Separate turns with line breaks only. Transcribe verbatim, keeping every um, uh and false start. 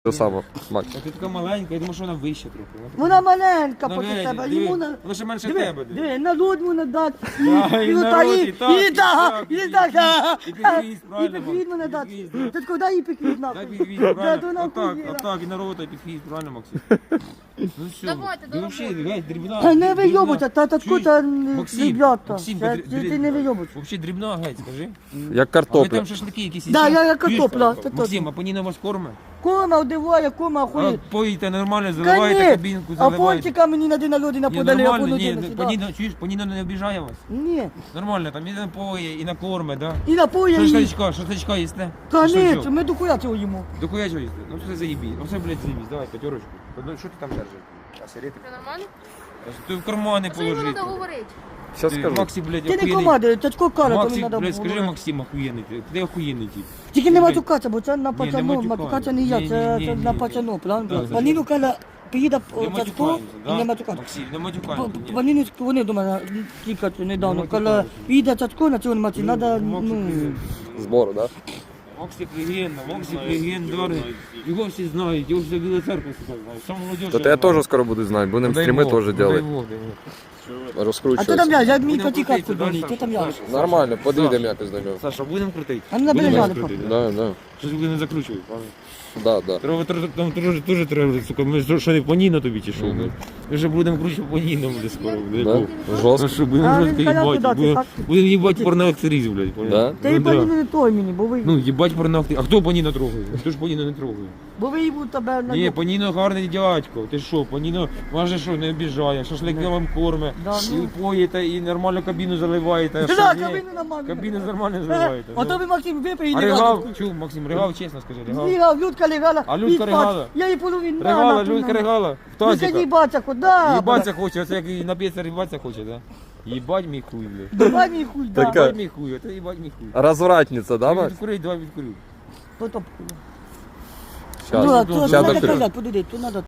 Те саме, Макс.
А ти така маленька, я думаю, що вона вища трохи.
Вона маленька
Ну,
проти
геть,
тебе.
диви,
Йому на...
вона ще менше
Диви,
тебе. диви.
диви, на лід йому надати.
Да, і
ну,
на
та
рот,
і-
і так,
і
і
так,
так,
і
і
так,
так.
а,
І підхвіст,
І
правильно,
підхвіст мене
Макс,
дати.
підхвіст.
Ти куди їй підхвіст
Дай
нахуй?
підхвіст,
Да,
правильно.
то нахуй
Отак,
є.
отак, і на рота, і підхвіст, правильно, Максим? Ну все,
Давайте,
ти взагалі, геть, дрібна.
Та не
дрібна.
вийобуйся, та татку
Чуєш?
та
Максим,
ребята.
Максим,
Це-
дрі-
Ти
дрі-
ти не вийобуйся.
Взагалі дрібна, геть, скажи.
Як
А ви
картопля.
там шашлики якісь
Да,
їсте?
я як
Чуєш?
картопля, це
Максим,
точно.
а Паніна вас корме?
Кома одиває, кома
А
охуєть.
поїте нормально, заливаєте
Конечно.
кабінку,
А
заливаєте.
пончика мені на день народження
Ні,
подали, я
нормально,
буду
ні,
на сюди.
Паніна, чуєш, Паніна не обіжає вас?
Ні.
Нормально, там і напоє, і накорме, да?
І напоє її.
Шашличка, шашличка їсте?
Конечно, ми до хуя цього їмо.
До хуя чого їсти? Ну все заїбіть. Ну все, блядь, заїбіть. Давай, п'ятерочку. Ну, що ти там держиш? А сигарети?
Це нормально?
Ти в кармани
А що йому
положи.
треба говорити?
Щас
Ти,
скажу.
Максі, блядь,
Ти не
охуєнний.
команди, тачко кара, то мені
Максим,
треба
блядь,
було.
скажи, Максим, охуєнний. Ти, ти охуєнний тип.
Тільки не
Блядь.
матюкатися, бо це на пацану,
матюкаю.
матюкатися не я,
Ні,
це
ні,
це
ні,
на
ні.
пацану,
Так,
правильно?
це
Паніну каже, приїде
Не
тачко
матюкаємося,
і не
да?
матюкатися.
Максим, не матюкаємося. ні.
Паніну вони до мене тільки недавно,
Не
коли
матюкаємося.
приїде тачко на цьому маці,
Ну,
треба,
Максик,
ну...
Збору, так?
Максик легенда, Максик легендарний. Його всі знають, його вся Біла церква всі знають. Сам молодіж.
Да? То я теж скоро буду знати, будемо стріми теж робити.
А то там
Розкручуватися.
я, я мені
Будемо
котика
крутити, да,
футболі, ти там я.
Саша?
Нормально, подійдемо якось до нього.
Саша, будемо крутити?
А ну, набери
Будемо
жаль,
крутити,
Да, да.
Щось ви не закручують, правильно?
Да, да.
Треба тр- там теж теж треба, сука, ми що не поніно тобі чи що?
Мгм.
блядь? Ми вже будемо круче поніно буде скоро, блядь.
Да?
Ну
Жорстко.
що, будемо
А,
жорстко
він казав,
їбати,
куди ти,
будемо
так?
будемо їбати порноактрис, блядь. понял?
Да?
Ти
Ну,
і
да.
Паніну не той мені, бо ви,
Ну, їбать порноактрис. А хто Паніно трогає? Хто ж Паніно не трогає?
бо ви їбу тебе на...
Ні, Паніно гарний дядько. Ти що, Паніно, може що, не обіжає, шашлики вам корме,
Да, ну.
і поїте, і нормально кабіну заливаєте. а
Да,
що ні?
кабіну нормально.
Кабіну нормально заливаєте.
А то
ну.
ви, Максим, випий і
А
не
ригав,
радуй.
чув, Максим, ригав, чесно скажи, ригав.
Лігав, Людка легала.
А Людка
і спать.
ригала?
Я їй половину.
Ригала, Людка ригала. В
Ну це
тазика.
їбаться куди?
Їбаться хоче, оце як і нап'ється їбаться хоче, да? Їбать мій хуй, блядь.
Давай мій хуй, да.
Така.
Їбать мій хуй, це їбать мій хуй.
Розвратниця, да, Макс?
Відкурить, давай відкурю.
То то.
Щас.
Ну, а
ну,
то
щас
треба
докурю.
казати, подиди, то треба